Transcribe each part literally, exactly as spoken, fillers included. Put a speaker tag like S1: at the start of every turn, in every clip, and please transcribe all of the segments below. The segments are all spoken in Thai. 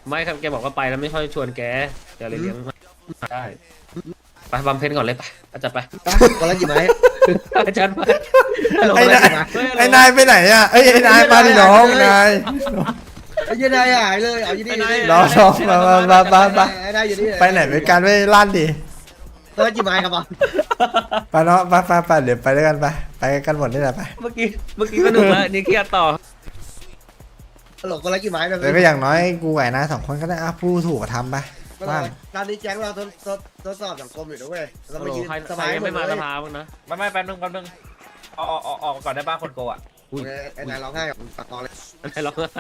S1: ไม่ครับแกบอกว่าไปแล้วไม่ค่อยชวนแกแกเลยเลี้ยงได้ไปบำเพ็ญก่อนเลยไปอาจารย์ไป
S2: คนละกี่ไม้
S1: อาจารย์ไป
S3: ไอ้นายไอ้นายไปไหนอ่ะไอ้ไอ้นายมาดิน้องนาย
S2: ไอ้ยันนายหายเลยเอาอยู่นี่
S3: รอรอมามามามามา
S2: ไอ้นายอยู่นี่
S3: ไปไหนไปกันไม่ลั่นดิ
S2: คนละกี่ไม้ครับบอล
S3: ไปเนาะไปไปไปเดี๋ยวไปด้วยกันไปไปกันหมดนี่แหละไป
S1: เมื่อกี้เมื่อกี้ก็หนุกแล้วนี่เครียดต่อ
S2: ตลกคนละกี่ไม้แบบ
S3: แต่ก็อย่างน้อยกูไหวนายสองคนก็ได้อ่ะผู้ถูกกระทำไปบ้าง
S2: ตอนนี้แจ้งเราทดทดทดสอบสังคมอยู่ด้วยเรา
S1: โอ้
S2: ไม่
S1: โห
S2: ยืน
S1: ใคร
S2: ส
S1: ใคร
S2: บาย
S1: ยัง
S2: หม
S1: ไม่
S2: ด
S1: มา
S2: เล
S1: ส
S2: ย
S1: ภาบ้างนะ
S4: ไม่ไม่แป๊บนึงแป๊บนึงออกออกออกก่อนได้บ้างคนโกอ่ะ
S2: ไอ้นายร้องไห้กับปากคอเลย
S1: อะไรร้องไห้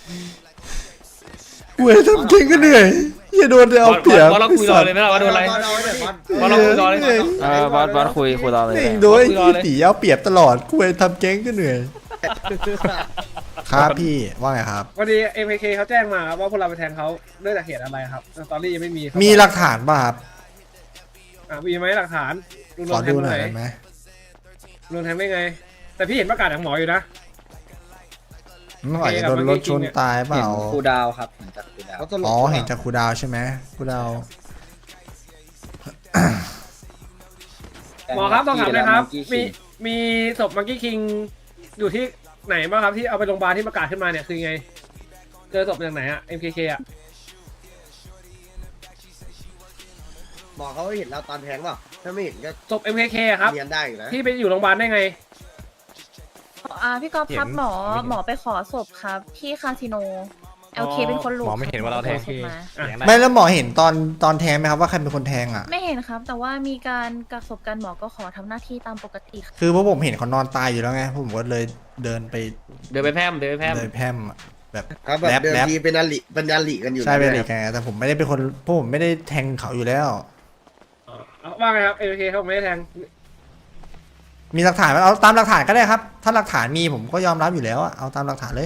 S3: กูทำเก่งก็เหนื่อยอย่าโดนเอาเปรียบ
S1: ว่าเราคุยรอเลยไหมล่ะว่าโดนอะไร
S2: บอลเอาไว้เดี๋ยวบอล
S1: ว่าเราคุยรอเลย
S5: เออบอสบอสคุยคุยรอเลย
S3: เน่ง
S5: นะ
S3: โดยที่ตีเอาเปรียบตลอดกูทำเก่งก็เหนื่อยครับพี่ว่าไงครับ
S6: วันนี้ เอ็ม เค เคเขาแจ้งมาครับว่าพวกเราไปแทงเขาด้วยจากเหตุอะไรครับสตอรี่ยังไม่มีครับ
S3: มีหลักฐานป่ะครับ
S6: อ่ะมีไหมหลักฐานลุง
S3: ข
S6: โด
S3: อน
S6: แท
S3: ดู
S6: งตร
S3: ห
S6: ง
S3: น่
S6: ไห
S3: อน ยได้ไหม
S6: ลุงแทงได้ไง แต่พี่เห็นประกาศจากหมออยู่นะ
S3: มันอาจจะโดนรถชนตายเปล่า
S5: ครูดาวครับเห็นจากครูดาว
S2: เขาตลก
S3: อ๋อเห็นจากครูดาวใช่ไหมครูดาว
S6: หมอครับต้องถามเลยครับ
S5: มี
S6: มีมีศพมังกี้คิงอยู่ที่ไหนบ้างครับที่เอาไปโรงพยาบาลที่ประกาศขึ้นมาเนี่ยคือไง เจอศพจากไหนอะ เอ็ม เค เค อะ
S2: หมอเขาเห็นเราตอนแทงเปล่าถ้าไม่เห็นก็
S6: ศพ เอ็ม เค เค อะครับ
S2: เรียนได้อยู่นะ
S6: ที่ไปอยู่โรงพยาบาลได้ไง
S7: อ่าพี่กอล์ฟครับหมอหมอไปขอศพครับที่คาสิโน
S6: อ๋
S7: เอ
S6: อ
S7: ลเคเป็นคนหลุด
S5: หมอไม่เห็นว่าเราแทง
S7: ขอศพมา
S6: อ่ะ
S3: ไม่แล้วหมอเห็นตอนตอนแทงไหมครับว่าใครเป็นคนแทงอ่ะ
S7: ไม่เห็นครับ แต่ว่ามีการกักศพกันหมอก็ขอทำหน้าที่ตามปกติครับ
S3: คือพวกผมเห็นเขานอนตายอยู่แล้วไงผมก็เลยเดินไป
S1: เดินไปแพร่มเดินไปแพร่ม
S3: เลยแพร่มอะแบบ
S2: ครับแบบ
S3: แรป
S2: เดิม
S3: แรป
S2: ทีเป็นอลิเป็นอลิกันอยู่
S3: ใช่เป็นอะไร
S2: นะ
S3: กันไงแต่ผมไม่ได้เป็นคนพวกผมไม่ได้แทงเขาอยู่แล้ว
S6: อ๋อเอาว่าไงครับ เอ็ม เค เคเขาไม่ได้แทง
S3: มีหลักฐานไหมเอาตามหลักฐานก็ได้ครับ ถ้าหลักฐานมีผมก็ยอมรับอยู่แล้วอะเอาตามหลักฐานเลย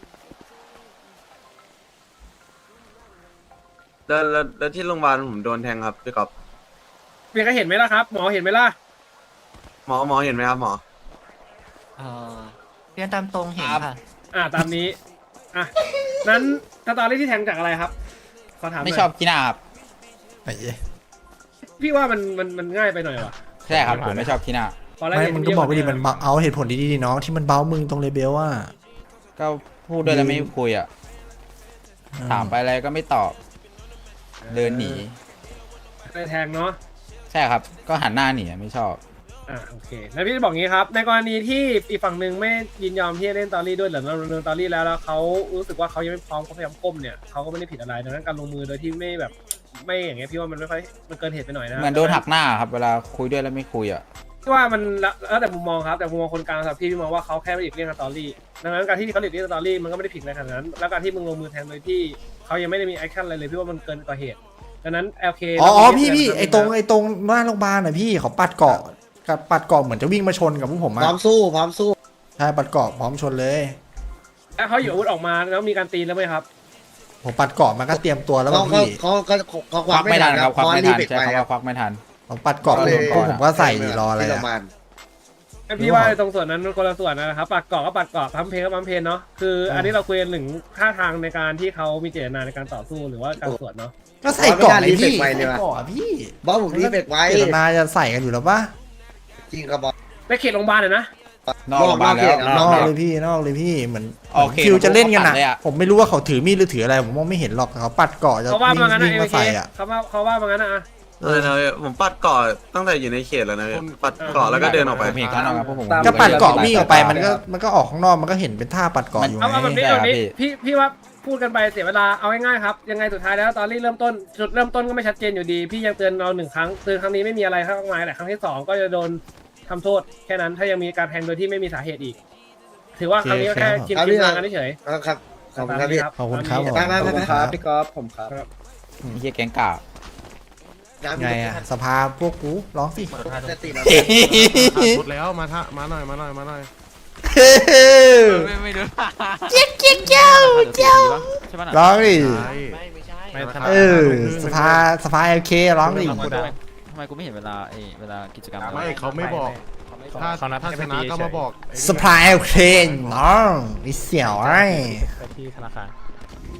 S8: แล้วแล้วแล้วที่โรงพยาบาลผมโดนแทงครับพี่กอบ
S6: มีใครเห็นไหมล่ะครับ หมอเห็นไหมล่ะ
S8: หมอหมอเห็นไหมครับหมอ
S9: เออเรียนตามตรงเห็นค่ะ
S6: อ่าตามนี้ อ่ะ นั้นสตอรี่ที่แทงจากอะไรครับ ขอถามหน่ย
S5: ไม่ชอบกีฬาครับ
S3: ไอ้เหี้ย
S6: พี่ว่ามันมันมันง่ายไปหน่อยวะ
S5: ใช่ครับผมไม่ชอบกีฬา
S6: พอแล้ว
S3: ไม่
S6: เห็น
S3: มึงก็บอกไปดิ
S6: เยะ
S3: มันเบาเอาเหตุผลดีๆดิน้องที่มันเบ้ามึงตรงเลเบลว่า
S5: ก็พูดด้วยแล้วไม่คุยอ่ะถามไปอะไรก็ไม่ตอบ เดินหนี
S6: ไปแทงเนาะ
S5: ใช่ครับก็หันหน้าหนีอะไม่ชอบ
S6: อ่าโอเค แล้วพี่จะบอกงี้ครับ ในกรณีที่อีกฝั่งหนึ่งไม่ยินยอมที่จะเล่นตอรี่ด้วยหรือเราดำเนินตอรี่แล้วแล้วเขารู้สึกว่าเขายังไม่พร้อมเขาพยายามก้มเนี่ยเขาก็ไม่ได้ผิดอะไรดังนั้นการลงมือโดยที่ไม่แบบไม่อย่างเงี้ยพี่ว่ามันไม่ค่อยมันเกินเหตุไปหน่อยนะ
S5: เหมือนโดนหักหน้าครับเวลาคุยด้วยแล้วไม่คุยอ่ะ
S6: พี่ว่ามันแล้วแล้วแต่มุมมองครับแต่มุมมองคนกลางสำหรับพี่พี่มองว่าเขาแค่ไม่หลีกเลี่ยงสตอรี่ดังนั้นการที่เขาหลีกเลี่ยงสตอรี่มันก็ไม่ได้ผิดอะไรขนาดนั้น แล้วการที่มึงลงมือแทงโดยที่เขายังไม่ได้มีแอคชั่นอะไรเลยพี่ว่ามันเกินกว่าเหตุดังนั้น แอล เค
S3: อ๋ออ๋อพี่พี่ไอ้ตรงไอ้ตรงหน้าโรงพยาบาลน่ะพี่เขาปัดเกาะกับปัดเกาะเหมือนจะวิ่งมาชนกับพวกผม
S2: พร้
S3: อะ
S2: อมสู้พร้อมสู้
S3: ใช่ปัดเกาะพร้อมชนเลย
S6: แล้วเขาอยู่อาวุธออกมาแล้วมีการตีแล้วไหมครับ
S3: ผมปัดเกาะมันก็เตรียมตัวแล้ว
S2: เขา
S3: บาง
S2: เขา
S3: พี่
S2: เขาเขาเขาค
S5: ค
S2: วั
S5: วั
S2: ก
S5: ก
S2: ไม่
S5: ไม่
S2: ทั
S5: ทั
S2: น
S5: น
S2: ค
S5: ค
S2: รั
S5: รั
S2: บบ
S5: ควักไม่ทัน
S2: เบรก
S5: ใช่
S2: ไป
S5: คำ
S2: ครั
S5: ว่า
S2: บ
S5: ควักไม่ทัน
S3: ผมปัดเกาะ
S2: ก็เลย
S3: พวกผมก็ใส่รออะไร
S2: ที่โร
S3: อะ
S2: งพยาบาล
S6: พี่ว่าตรงส่วนนั้นมันคนละส่วนนะครับปัดเกาะก็ปัดเกาะพัมเพลก็พัมเพลเนาะคืออันนี้เราคุยกันถึงท่าทางในการที่เขามีเจตนาในการต่อสู้หรือว่าการสวนเนาะ
S3: ก็ใส่เกาะไอ้พี่
S2: ไม่
S3: ใส่
S2: ได้รีเฟกไว้เลยว่ะ
S3: เกาะพี่
S2: บอสผมรีบเบรกไว้
S3: เจตนาจะใส่กันอยู่แล้วปะ
S2: จริงครับบอส
S6: ในเขตโรงพยาบาลเลยนะ
S5: นอกโรงพยาบาลแล้ว
S2: น
S3: น
S2: อ
S3: อก ก
S2: เขต
S3: เลยพี่นอกเลยพี่เหมือน
S5: โอเค
S3: คิวจะเล่นกันอะ
S5: ผมก็ปัดเลยอะ
S3: ผมไม่รู้ว่าเขาถือมีดหรือถืออะไรผมมองไม่เห็นหรอกแต่เขาปัดเกาะจะ
S6: เขาว่า
S3: วิ่ง
S6: มางั้นนะ
S3: วิ่ง
S6: เอ
S3: มา
S6: เค
S3: ใส่อะ
S6: เขาว่าเขาว่ามางั้นนะ
S3: เอ
S8: เอ
S3: อ
S8: อนะผมปัดเกาะตั้งแต่อยู่ในเขตแล้วนะพี่ปัดเกาะแล้วก็เดินออกไป
S5: ผมเห็นเขานอกครับพวกผม
S3: ก็ปัดเกาะวิ่งออกไปมันก็มันก็ออกข้างนอกมันก็เห็นเป็นท่าปัดเกาะอยู่
S6: เอาเอาแบบ
S3: ไง
S6: นี้
S5: ใช่
S6: แบบนี้
S5: ครับพี่
S6: พี่พี่ว่าพูดกันไปเสียเวลาเอาง่ายๆครับยังไงสุดท้ายแล้วตอนนี้เริ่มต้นจุดเริ่มต้นก็ไม่ชัดเจนอยู่ดี พี่ยังเตือนเราหนึ่งครั้งเตือนครั้งนี้ไม่มีอะไรข้างมายแต่ครั้งที่สองก็จะโดนทำโทษแค่นั้นถ้ายังมีการแทงโดยที่ไม่มีสาเหตุอีก ถือว่าครั้งนี้ก็แค่ชิมชิมทางกันเฉย
S2: ครับขอบคุณครับพี่
S3: ขอบคุณครับ
S2: ไปไปไปไป
S5: ครับพี่กอล์ฟผมครับเฮียแกงกาบ
S3: ไงอะสภาพวกกูร้องสิ
S2: จะติด
S10: หมดแล้วมาท่ามาหน่อยมาหน่อยมาหน่อย
S5: ไม่ไม่รู้
S9: เจ๊กเจ๊กเจ้าเจ้า
S5: ใช่ปะ
S3: ร้องดิ
S10: ใช่
S9: ไม่ไม่ใช่
S10: ไม่ทัน
S3: เออสภาสภาเอลเคร้องดิ
S5: ทำไมกูไม่เห็นเวลาไอ้เวลากิจกรรม
S10: ไม่เขาไม่บอก ถ้าถ้าชนะก็มาบอกไอ้นี่
S3: สภาเอลเคน้องมีเสี่ยวไอ้
S6: ไปที่ธนาคาร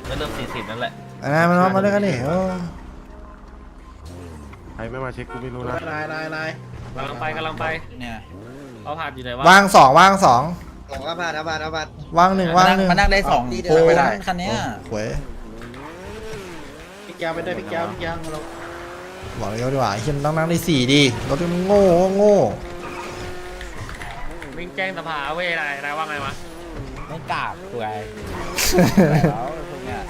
S4: ก็เริ่มสี่สิบนั่นแหละ
S3: อ่ามันมาด้วยกันดิโอ้
S10: ใครไม่มาเช็คกูไม่รู้นะ
S2: นายนายนาย
S1: กำลังไปกำลังไป
S5: เนี่ย
S1: เอาผ่านอยู่ไหนวะ
S3: ว่างสองว่างสอง
S2: สองอาบาดอาบาดอาบาด
S3: ว่างหนึ่งว่างหนึ่ง
S5: มานั่งได้สอง
S2: ที่เดิน
S5: โอ้
S2: ไม่
S5: ย
S2: ได้
S5: คันเนี้ย
S3: หวย
S2: พี่แก้วไปด้วยพี่แก้วพี่แก้วเรา
S3: บอกเลยดีกว่าเฮียมนต้องนั่งได้สี่ดีรถมันโง่โง่
S1: วิ่งแจ้งสภาเว้ยอะไรอะไรว่าไงวะ
S5: ไม่กล้าคุยแล้วพวกเนี้ย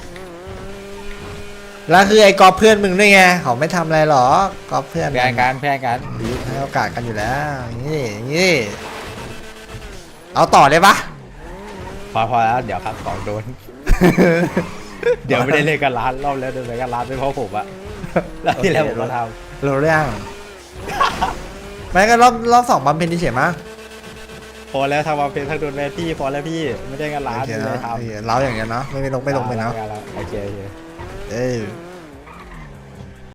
S3: แล้วคือไอ้กอล์ฟเพื่อนมึงด้วยไงเขาไม่ทำอะไรหรอกกอล์ฟเพื่อน
S5: เพื่อนกันเพื่อนกัน
S3: ให้โอกาสกันอยู่แล้วอย่างนี้อย่างนี้เอาต่อเลยปะ
S5: พอพอแล้วเดี๋ยวครับสองโดน เดี๋ยวไม่ได้เล่นกันร้านรอบแล้วเดินไปกันร้านไม่เพราะผมอะแล้วที่แล้วผมก็ท
S3: รู้เรื่องไม่ก็รอบรอบสองบำเพ็ญที่เฉยมั้ง
S5: ำพอแล้วทำมาเป็นทางโดนแมที่พอแล้วพี่ไม่ได้กันร้าน
S3: โอเค
S5: ไม่
S3: นะ
S5: ได้ทำ
S3: โอเคเราอย่างเงี้ยเนาะไม่ไม่ลงไม่ลงไปเนาะ
S5: โอเคโอเค
S3: เออ